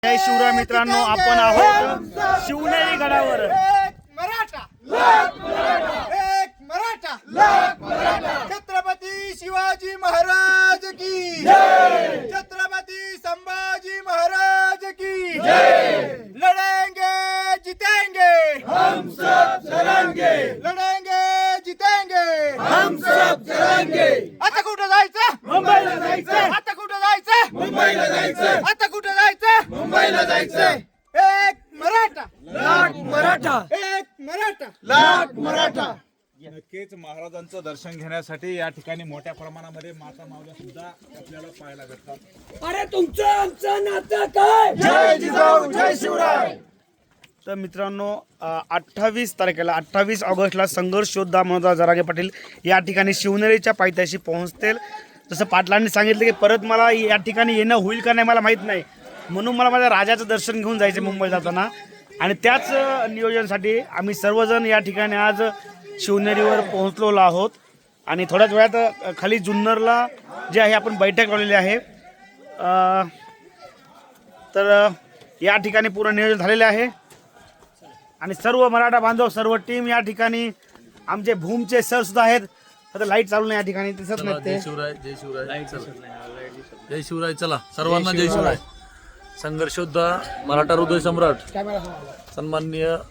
जय शिवराय मित्रांनो, आपण आहोत शिवनेरी गडावर। एक मराठा लाख मराठा, एक मराठा लाख मराठा। छत्रपती शिवाजी महाराज की जय, छत्रपती संभाजी महाराज की जय। लड़ेंगे जीतेंगे हम सब लड़ेंगे, लड़ेंगे जीतेंगे हम सब लड़ेंगे। आता कुठं जायचं? मुंबईला जायचं। आता कुठं जायचं? मुंबईला जायचं। आता कुठं जायचं? मुंबईला जायचं। एक मराठा लाख मराठा, एक मराठा लाख मराठा। नक्कीच महाराजांचं दर्शन घेण्यासाठी या ठिकाणी मोठ्या प्रमाणामध्ये माता मावल्या सुद्धा आपल्याला पाहायला भेटतात। अरे तुमचं आमचं नातं काय? जय जिजाऊ, जय शिवराय। तर मित्रांनो, 28 तारखेला 28 ऑगस्टला संघर्ष योद्धा मनोज जरांगे पाटील या ठिकाणी शिवनेरीच्या पायथ्याशी पोहोचतील। जसं पाटलांनी सांगितलं की परत मला या ठिकाणी येणं होईल का नाही मला माहीत नाही, म्हणून मला माझ्या राजाचं दर्शन घेऊन जायचं मुंबई जाताना, आणि त्याच नियोजनासाठी आम्ही सर्वजण या ठिकाणी आज शिवनेरीवर पोहोचलेलो आहोत। आणि थोड्याच वेळात खाली जुन्नरला जे आहे आपण बैठक लावलेली आहे। तर या ठिकाणी पूर्ण नियोजन झालेले आहे आणि सर्व मराठा बांधव, सर्व टीम या ठिकाणी, आमचे भूमचे सर सुद्धा आहेत। आता लाईट चालू नाही या ठिकाणी, दिसत नाही ते। जय शिवराय, जय शिवराय, जय शिवराय। चला सर्वांना जय शिवराय। संघर्षोद्धा मराठा हृदय सम्राट सन्माननीय